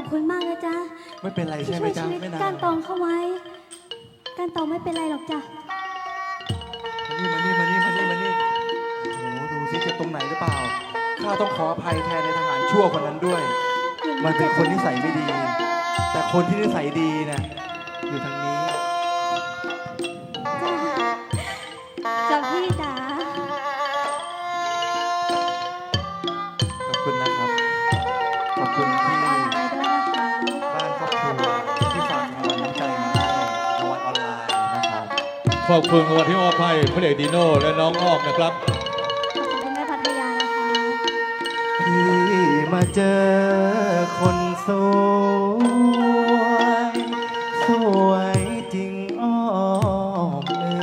คุณมากนะจ๊ะไม่เป็นไรใช่ไหมจ๊ะไม่นานการตองเข้าไว้การตองไม่เป็นไรหรอกจ้ะมานี่โอ้โหดูสิเจ็บตรงไหนหรือเปล่าข้าต้องขออภัยแทนในทหารชั่วคนนั้นด้วยมันเป็นคนนิสัยไม่ดีแต่คนที่นิสัยดีเนี่ยอยู่ทางนี้จ้ะพี่จ๋าขอบคุณนะครับขอบคุณที่บ้านครอบครัวที่ฝากรางวัลน้ำใจมาให้รางวัลออนไลน์นะครับขอบคุณวันที่มอบให้พระเอกดีโน่และน้องอ้อมนะครับขอบคุณแม่พัทยานะคะพี่มาเจอคนสวยสวยจริงอ้อม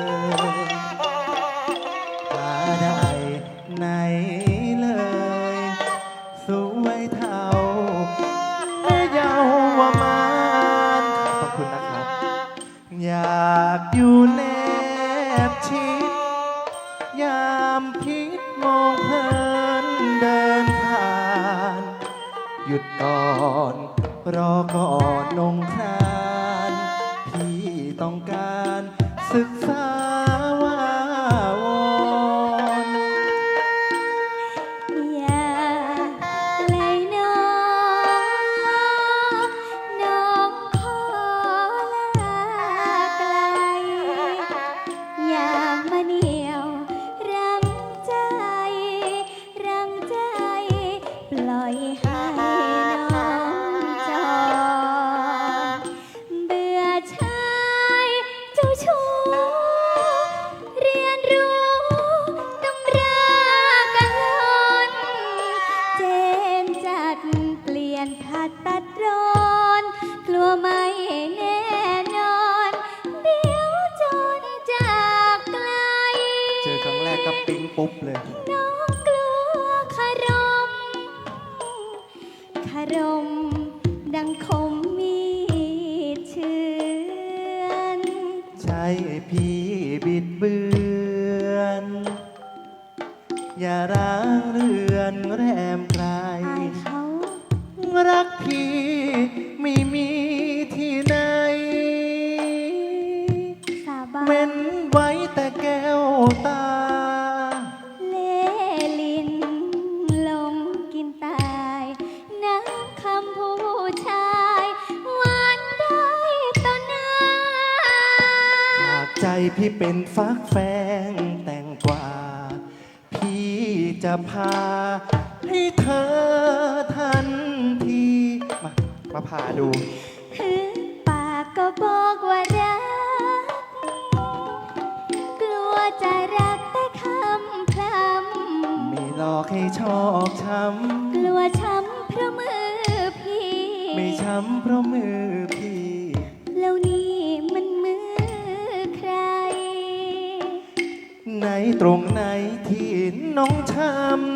หาได้ไหนเลยสวยเท่าแม่เยาวมานขอบคุณนะครับอยากอยู่แนบชิดยามพิษมองเพลินเดินผ่านหยุดก่อนรอก่อนนงครานพี่ต้องการศึกษาวาวอนอย่าเลยน้องขอลาไกลอย่ามาเหนียวรั้งใจปล่อยให้น้องจรเบื่อชายเจ้าชู้เรียนรู้ตำรากันล้นเจนจัดเปลี่ยนผัดตัดร้อนกลัวไม่แน่นอนเดี๋ยวจนจากไกลเจอครั้งแรกก็ปิ๊งปุ๊บเลยน้องกลัวคารมดังคมมีดเชือนใช่พี่บิดเบือนอย่าร้างเรือนแรมไกลเขารักพี่ไม่มีที่ไหนสาบานเว้นไว้แต่แก้วตาเล่ลินลงกินตายน้ำคำผู้ชายหวานได้ต่อหน้าหากใจพี่เป็นฟักแฟงแต่งกว่าพี่จะพาให้เธอทันทีมาพาดูปากก็บอกว่ารักกลัวจะรักแต่คำพร่ำไม่หลอกให้ชอกช้ำกลัวช้ำเพราะมือพี่ไม่ช้ำเพราะมือพี่แล้วนี่มันมือใครไหนตรงไหนที่น้องช้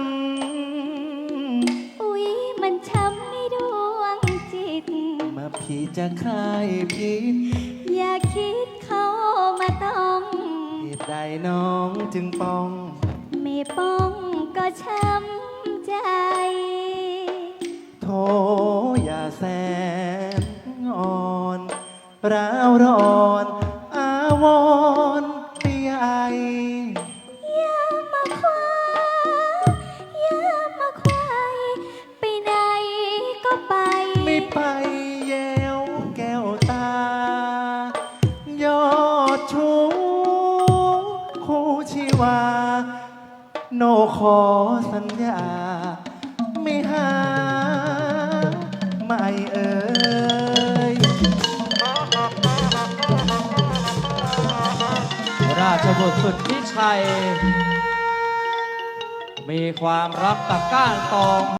ำอุ๊ยมันช้ำในดวงจิตมาพี่จะคลายพิษอย่าคิดเข้ามาต้องเหตุใดน้องจึงป้องไม่ป้องก็ช้ำใจโธ่อย่าแสนอ่อนร้าวร้อนอาวรณ์ใหญ่อย่ามาคว้าอย่ามาควายไปไหนก็ไปไม่ไปแยวแก้วตายอดชูคู่ชีวาโนขอสัญญาไม่หาไม่เอ่ยราชบุตรสุดที่ชัยมีความรักกับก้านตอง